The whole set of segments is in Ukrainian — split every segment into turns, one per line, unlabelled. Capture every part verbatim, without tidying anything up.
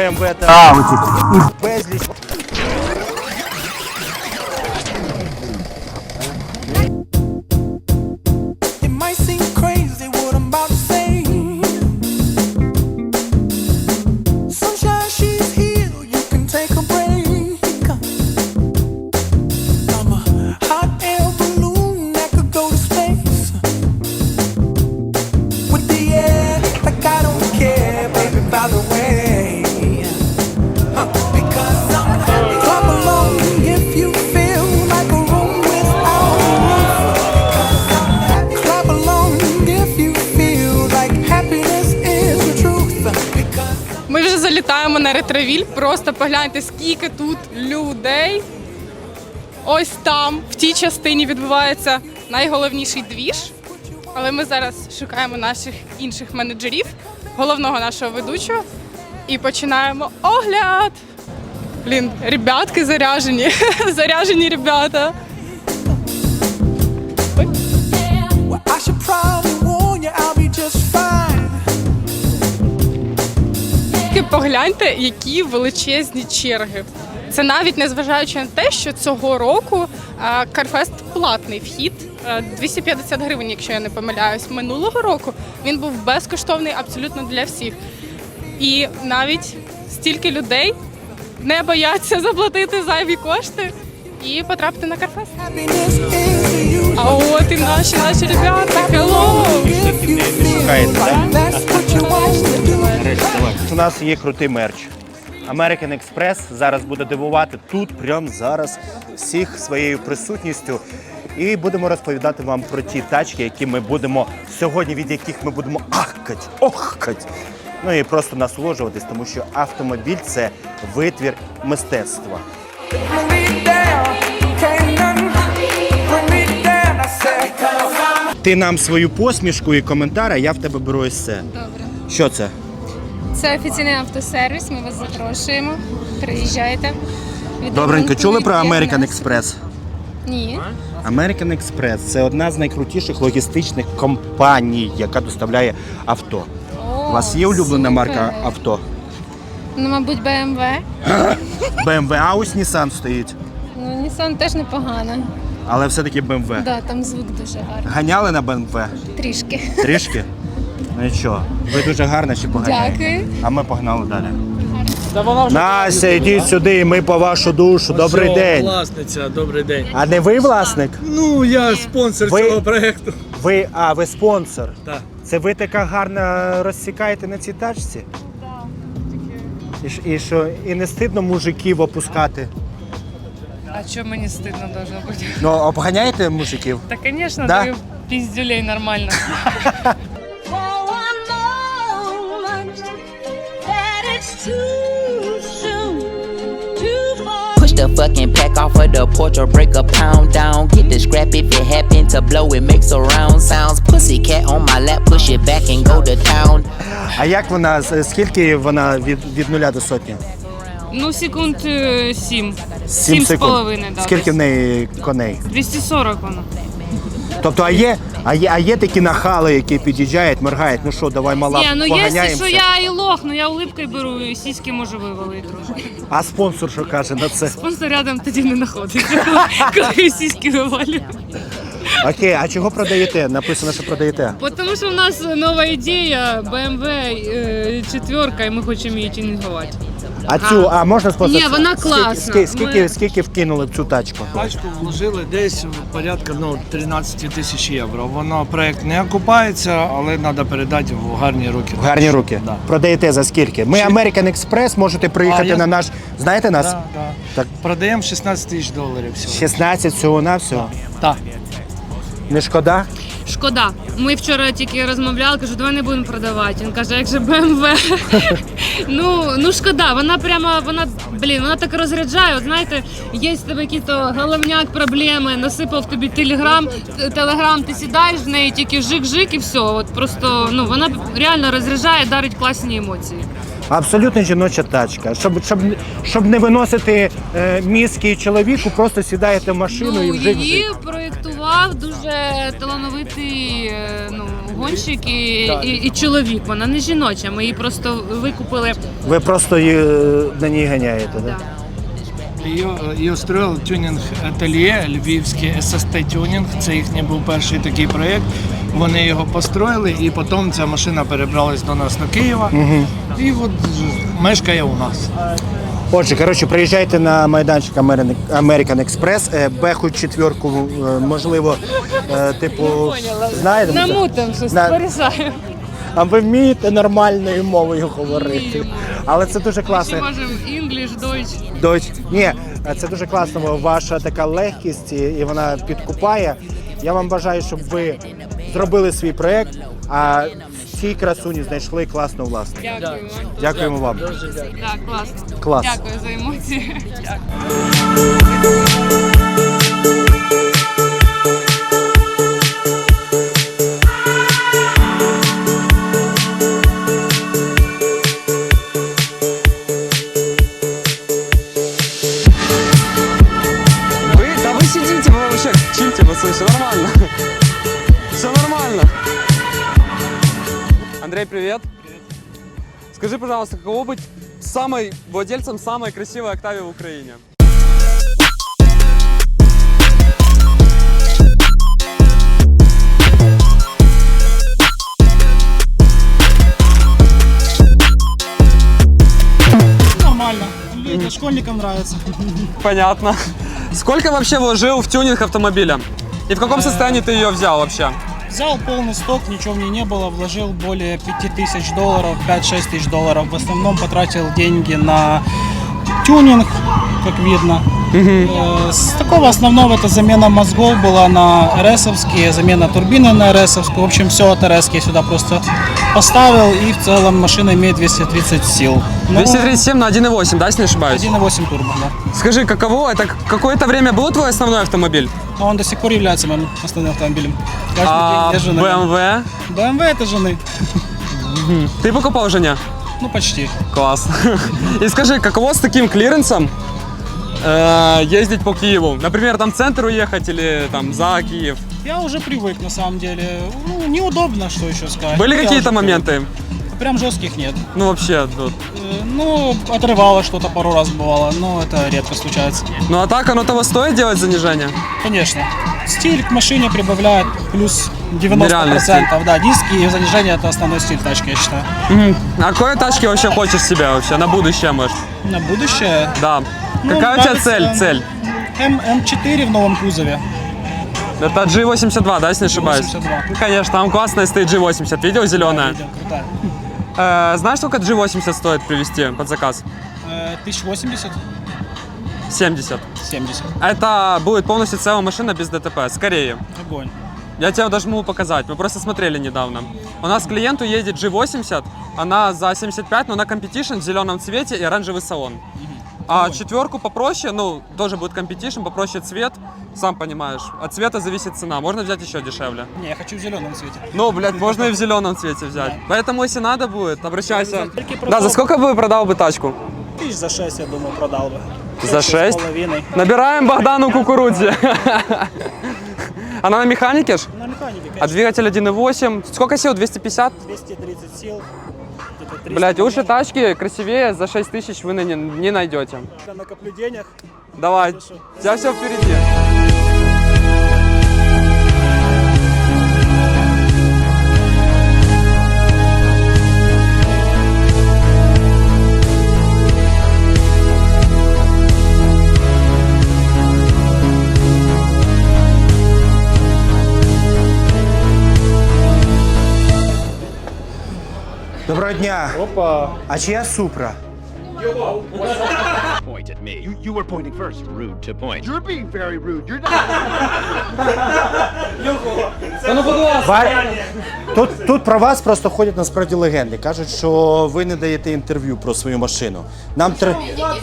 БМВ та Audi. І безліч.
Ми вже залітаємо на ретровіль, просто погляньте, скільки тут людей. Ось там, в тій частині відбувається найголовніший двіж. Але ми зараз шукаємо наших інших менеджерів, головного нашого ведучого, і починаємо огляд. Блін, ребятки заряжені, заряжені ребята. Ой. Погляньте, які величезні черги. Це навіть незважаючи на те, що цього року Карфест платний вхід, двісті п'ятдесят гривень, якщо я не помиляюсь. Минулого року він був безкоштовний абсолютно для всіх. І навіть стільки людей не бояться заплатити зайві кошти і потрапити на Карфест. А от і наші, наші ребята, hello!
У нас є крутий мерч. American Express зараз буде дивувати тут, прямо зараз, всіх своєю присутністю. І будемо розповідати вам про ті тачки, які ми будемо сьогодні, від яких ми будемо ахкать, охкать. Ну і просто насолоджуватись, тому що автомобіль – це витвір мистецтва. Ти нам свою посмішку і коментар, а я в тебе беру ось це.
Добре.
Що це?
Це офіційний автосервіс, ми вас запрошуємо. Приїжджайте.
Добренько, чули про American Express?
Ні.
American Express – це одна з найкрутіших логістичних компаній, яка доставляє авто.
О,
у вас є улюблена
супер.
марка авто?
Ну, мабуть, бе ем ве.
бе ем ве, а ось Nissan стоїть.
Ну, Nissan теж непогано.
Але все-таки бе ем ве.
Так, да, там звук дуже гарний.
Ганяли на бе ем ве?
Трішки.
Трішки? Ну нічого, ви дуже гарно ще поганяєте.
Дякую.
А ми погнали далі. Настя, йдіть сюди, ми по вашу душу. Добрий
Ось,
день.
Власниця, добрий день.
А не ви власник?
Ну, я спонсор
Ви-
цього проєкту.
Ви, а, ви спонсор.
Так.
Це ви така гарно розсікаєте на цій тачці? Так. І, ж- і що, і не стидно мужиків опускати?
А что мне стыдно должно быть?
Ну, обганяєте мужиків?
Да, конечно,
Да?
даю пиздюлей нормально.
Push the fucking pack off of the porch or break a pound down. Get the scrap if it happen to blow, it makes surround sounds. Pussycat on my lap, push it back and go to town.
А як вона, з- скільки вона від, від нуля до сотні?
Ну, секунд э,
Сім
сім. Сім з
секунд.
половиною, да.
Скільки в
десь.
неї коней?
двісті сорок воно.
Тобто, а є, а є, а є такі нахали, які під'їжджають, моргають, ну що, давай мала,
Ні, ну якщо
поганяємося.
що я і лох, ну я улипкою беру, і сіськи можу вивалити трошки.
А спонсор що каже на це?
Спонсор рядом тоді не знаходиться, коли- коли сіськи вивалюю.
Окей, а чого продаєте? Написано, що продаєте.
Тому що в нас нова ідея, бе ем ве е, четверка, і ми хочемо її тюнінгувати.
А цю, а можна спонсор?
Ні, вона
Скільки-
класна.
Скільки, скільки,
Ми-
скільки вкинули в цю тачку?
Пачку вложили десь порядка ну, тринадцять тисяч євро. Воно проєкт не окупається, але треба передати в гарні руки.
В гарні руки.
Да.
Продаєте за скільки? Ми American Express, можете приїхати
А, я-
на наш. Знаєте нас?
Да, да.
Так.
Продаємо шістнадцять тисяч доларів всього.
шістнадцять всього на всього.
Так.
Не шкода?
Шкода. Ми вчора тільки розмовляли, кажу, давай не будемо продавати. Він каже, як же бе ем ве. ну, ну шкода, вона прямо, вона, блін, вона так розряджає. От знаєте, є в тебе якісь головняк, проблеми, насипав тобі телеграм, телеграм, ти сідаєш в неї, тільки жик-жик і все. От просто, ну, вона реально розряджає, дарить класні емоції.
Абсолютно жіноча тачка. Щоб, щоб, щоб не виносити е, мізки чоловіку, просто сідаєте в машину
Ну,
і вже.
її проєктували Ярослав дуже талановитий е, ну, гонщик і, і, і чоловік. Вона не жіноча. Ми її просто викупили.
Ви просто її, е, на ній ганяєте, так?
Да.
Її, її строїв тюнінг-ательє, львівський ес ес те-тюнінг. Це їхній був перший такий проєкт. Вони його построїли, і потім ця машина перебралась до нас до Києва. Угу. І от мешкає у нас.
Отже, коротше, приїжджайте на майданчик American Express, е, Беху четвірку, е, можливо, е, типу, знаєте?
Намутим щось,
На-
порішаємо.
А ви вмієте нормальною мовою говорити. Але це дуже
Ми
класно.
ще можемо English, Deutsch.
Дочь, ні, це дуже класно, бо ваша така легкість і і вона підкупає. Я вам бажаю, щоб ви зробили свій проєкт, а цій красуні знайшли класну власну.
Дякуємо.
Дякуємо вам.
Так, класно.
Клас.
Дякую за емоції.
Вы, да вы сидите, вы вообще чилите, пацаны, все нормально. Все нормально. Андрей, привет. Скажи, пожалуйста, каково быть самой владельцем самой красивой Октавии в Украине?
Нормально. Это школьникам нравится.
Понятно. Сколько вообще вложил в тюнинг автомобиля? И в каком состоянии ты ее взял вообще?
Взял полный сток, ничего в ней не было, вложил более пяти тысяч долларов, пять-шесть тысяч долларов. В основном потратил деньги на тюнинг, как видно. Э, С такого основного это замена мозгов была на эр эсовские, замена турбины на эр эсовскую. В общем, все от эр эски я сюда просто поставил, и в целом машина имеет двести тридцать сил. Ну,
двести тридцать семь на один и восемь, да, если не ошибаюсь?
один и восемь турбо, да.
Скажи, каково это? Какое-то время был твой основной автомобиль?
Но он до сих пор является моим основным автомобилем. Каждый
А
день езжу на
бэ
нем.
эм вэ?
бэ эм вэ это жены.
Ты покупал жене?
Ну, почти.
Класс. И скажи, каково с таким клиренсом э, ездить по Киеву? Например, там в центр уехать или там за Киев?
Я уже привык, на самом деле. Ну, неудобно, что еще сказать.
Были
Я
какие-то
уже
моменты?
привык. Прям жестких нет.
Ну вообще, тут.
Э, Ну, отрывало что-то пару раз бывало, но это редко случается.
Ну а так оно того стоит делать занижение?
Конечно. Стиль к машине прибавляет плюс девяносто
Нереальный стиль.
процентов. Да, диски и занижение это основной стиль тачки, я считаю.
Мгм. А какой тачки вообще хочешь себе вообще на будущее, может?
На будущее.
Да.
Ну,
Какая у тебя
нравится
цель? Цель?
М- М4 в новом кузове.
Это джи восемьдесят два, да, если не ошибаюсь?
восемьдесят два.
Ну, конечно, там классная стоит джи восемьдесят. Видел, зеленая?
Видел, крутая.
Э, знаешь, сколько джи восемьдесят стоит привезти под заказ?
Э, тысяча восемьдесят,
семьдесят.
семьдесят.
Это будет полностью целая машина без ДТП, скорее.
Огонь.
Я тебе даже могу показать, мы просто смотрели недавно. У нас к клиенту едет джи восемьдесят, она за семьдесят пять, но на компетишн в зеленом цвете и оранжевый салон. А четверку попроще, ну, тоже будет компетишн, попроще цвет, сам понимаешь. От цвета зависит цена, можно взять еще дешевле.
Не, я хочу в зеленом цвете.
Ну, блядь, можно и в зеленом цвете взять. Поэтому, если надо будет, обращайся.
Только
Да,
продал.
за сколько бы продал бы тачку?
Тысяч за шесть, я думаю, продал бы.
За
Шесть с
шесть?
половиной.
Набираем Богдану кукурудзе. Она на механике ж?
На механике,
А
конечно.
двигатель один и восемь. Сколько сил? двести пятьдесят?
двести тридцать сил. где-то триста
Блять, лучше
коней.
тачки красивее за шесть тысяч вы не, не найдете.
Я накоплю денег.
Давай,
Хорошо.
у тебя все впереди.
Доброго дня.
Опа.
А чия Супра?
Point at me. You, you were pointing first. Rude to point. You're being very rude. You're not.
Ва- Тут, тут про вас просто ходять насправді легенди. Кажуть, що ви не даєте інтерв'ю про свою машину. Нам треба.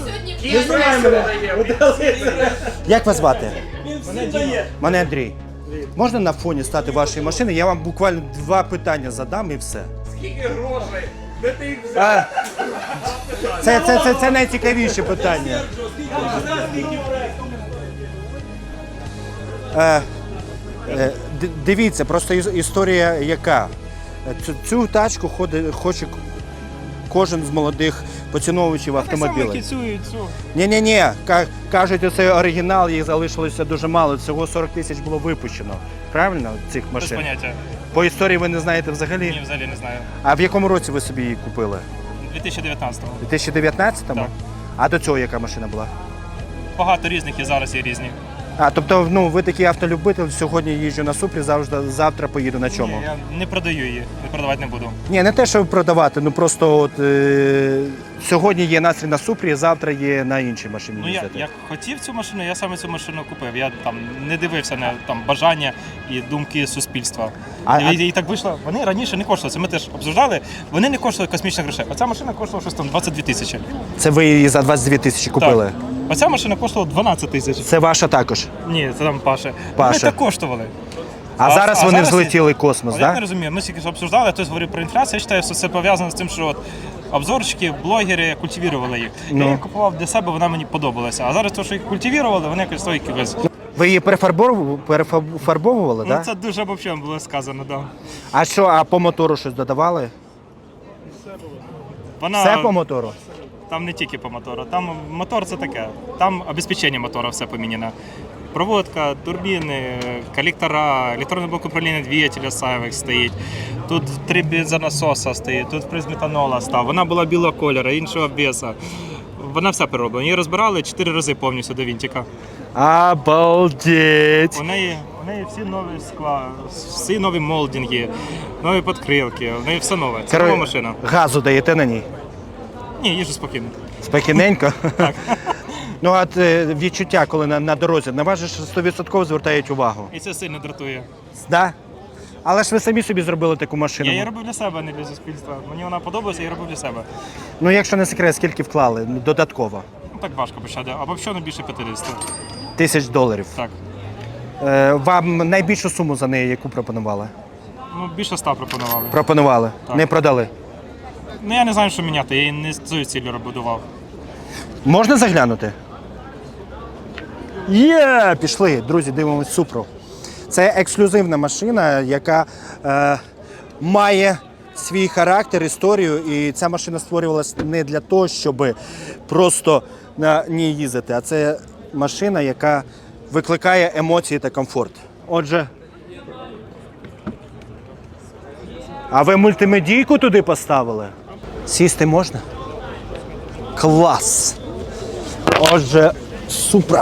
Як вас звати? Мене Андрій. Можна на фоні стати вашої машини? Я вам буквально два питання задам і все. Скільки грошей? Де ти їх взяв? Це, це, це, це найцікавіше питання. Е, Е, д- Дивіться, просто іс- історія яка. Е, Цю, цю тачку ходить, хоче к- кожен з молодих поціновувачів автомобілів. Ні-ні-ні, ка- кажуть, це оригінал, їх залишилося дуже мало. Всього сорок тисяч було випущено. Правильно, цих
Без
машин?
поняття.
По історії ви не знаєте взагалі?
Ні, взагалі не знаю.
А в якому році ви собі її купили?
дві тисячі дев'ятнадцятого.
У дві тисячі дев'ятнадцятому?
Так.
А до цього яка машина була?
Багато різних і зараз є різні.
А, тобто, ну, ви такий автолюбитель, сьогодні їжджу на Супрі, завжди, завтра поїду на чому?
Ні, я не продаю її, не продавати не буду.
Ні, не те, щоб продавати, ну просто от, е- сьогодні є настрій на Супрі, завтра є на іншій машині
Ну я,
їздити.
я хотів цю машину, я саме цю машину купив. Я там не дивився на там бажання і думки суспільства.
А-
і,
а-
і так вийшло. Вони раніше не коштували. Це ми теж обсуждали. Вони не коштували космічних грошей. Оця машина коштувала щось там двадцять дві тисячі.
Це ви її за двадцять дві тисячі купили?
Так. Оця машина коштувала дванадцять тисяч.
Це ваша також.
Ні, це там Паша.
Паша.
Вони так коштували.
А,
А-
зараз
а
вони
зараз
взлетіли в космос,
Але я
так?
не розумію. Ми тільки що обсуждали, хтось говорив про інфляцію. Я вважаю, що це пов'язано з тим, що от обзорщики, блогери культивували їх.
Ну.
Я її купував для себе, вона мені подобалася. А зараз те, що їх культивували, вони якось стоїть якось.
Ви її перефарбовували, перефарбовували,
Ну
так?
це дуже обобщено було сказано, да.
А що, а по мотору щось додавали?
Вона
Все по мотору?
там не тільки по мотору. Там мотор це таке. Там обезпечення мотора все поміняно. Проводка, турбіни, колектора, електронний блок управління двигателя Cyvex стоїть. Тут три бензонасоса стоїть, тут приз метанола став. Вона була білого кольору, іншого обвеса. Вона вся перероблена. Її розбирали чотири рази повністю до вінтика.
Обалдеть!
У неї, у неї всі нові скла, всі нові молдинги, нові підкрилки, у неї все нове. Це нова машина.
Газу даєте на ній?
Ні, їжу спокійно.
Спокійненько? Так. Ну, а е, відчуття, коли на, на дорозі, на вас же ж сто відсотків звертають увагу.
І це сильно дратує.
Да? Але ж ви самі собі зробили таку машину.
Я її робив для себе, а не для суспільства. Мені вона подобається, я її робив для себе.
Ну, якщо не секрет, скільки вклали ну, додатково?
Ну так важко почати. Або що не більше п'ятдесят.
Тисяч доларів.
Так.
Е, вам найбільшу суму за неї яку пропонували?
Ну, більше ста пропонували.
Пропонували,
Так.
не продали.
Ну я не знаю, що міняти, я її не з цією ціллю будував.
Можна заглянути? Є! Пішли, друзі, дивимось Супру. Це ексклюзивна машина, яка е, має свій характер, історію. І ця машина створювалася не для того, щоб просто на ній їздити, а це машина, яка викликає емоції та комфорт. Отже, а ви мультимедійку туди поставили? Сісти можна? Клас! Отже, Супра.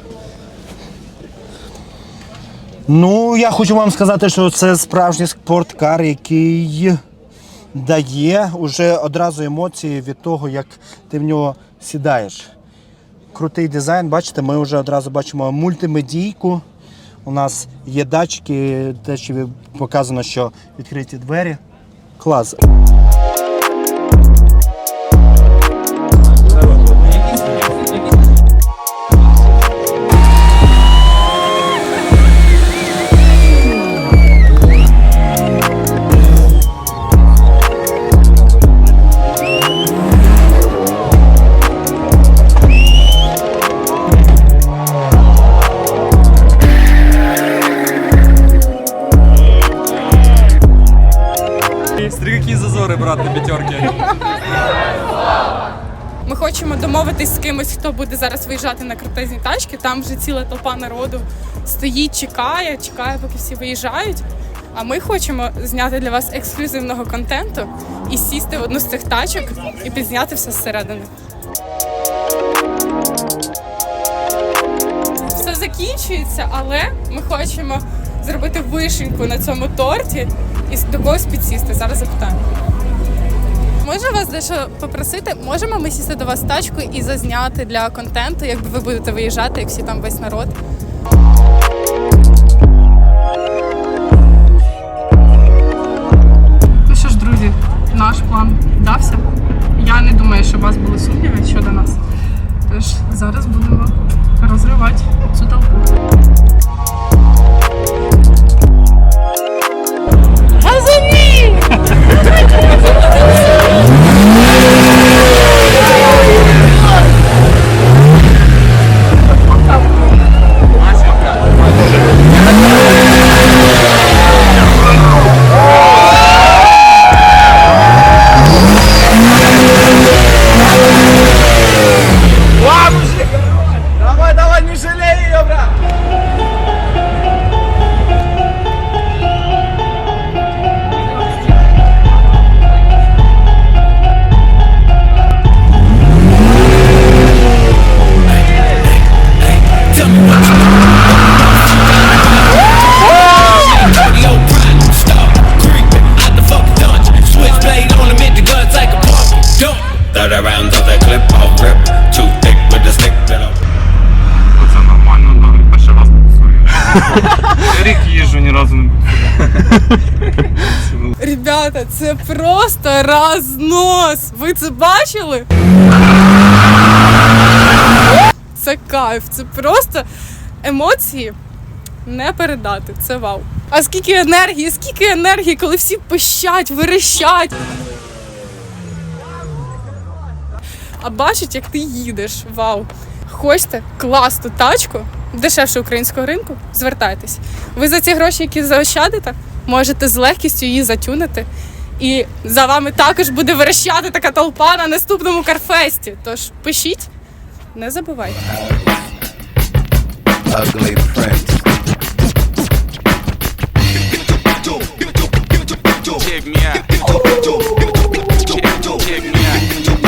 Ну, я хочу вам сказати, що це справжній спорткар, який дає уже одразу емоції від того, як ти в нього сідаєш. Крутий дизайн, бачите, ми вже одразу бачимо мультимедійку. У нас є датчики, те, що показано, що відкриті двері. Клас.
Смотри, какие зазоры, брат, на пятерке.
Ми хочемо домовитись з кимось, хто буде зараз виїжджати на крутезні тачки. Там вже ціла толпа народу стоїть, чекає, чекає, поки всі виїжджають. А ми хочемо зняти для вас ексклюзивного контенту і сісти в одну з цих тачок і підзняти все зсередини. Все закінчується, але ми хочемо зробити вишеньку на цьому торті і до когось підсісти. Зараз запитаємо. Можу вас дещо попросити? Можемо ми сісти до вас в тачку і зазняти для контенту, якби ви будете виїжджати, як всі там весь народ? Ну що ж, друзі, наш план вдався. Я не думаю, що у вас були сумніви щодо нас. Тож зараз будемо розривати цю толпу. Газані! Ребята, це просто рознос! Ви це бачили? Це кайф, це просто емоції не передати, це вау. А скільки енергії, скільки енергії, коли всі пищать, верещать. А бачить, як ти їдеш, вау. Хочете класну тачку, дешевше українського ринку, звертайтесь. Ви за ці гроші, які заощадите, можете з легкістю її затюнити. І за вами також буде верещати така толпа на наступному карфесті. Тож пишіть, не забувайте.
Ugly Prince. Check me out. Check me out.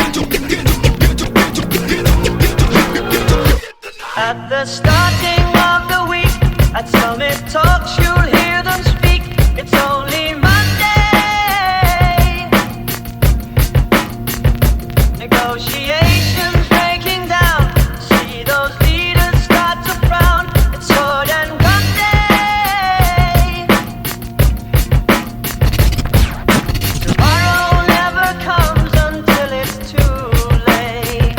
At the starting of the week, at Summit Talks, you'll hear them speak. It's only Monday. Negotiations breaking down. See those leaders start to frown. It's sword and gun day. Tomorrow never comes until it's too late.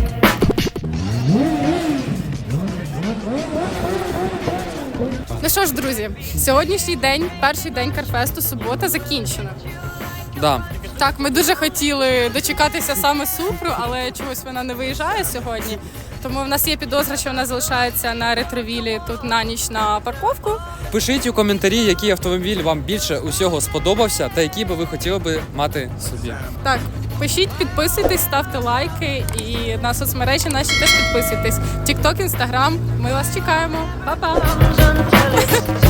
Ну що ж, друзі, сьогоднішній день, перший день Карфесту, субота, закінчена.
Да.
Так, ми дуже хотіли дочекатися саме Супру, але чогось вона не виїжджає сьогодні. Тому в нас є підозра, що вона залишається на ретровілі тут на ніч на парковку.
Пишіть у коментарі, який автомобіль вам більше усього сподобався та який би ви хотіли би мати собі.
Так, пишіть, підписуйтесь, ставте лайки і на соцмережі наші теж підписуйтесь. Тікток, Інстаграм, ми вас чекаємо. Па-па!
Until it's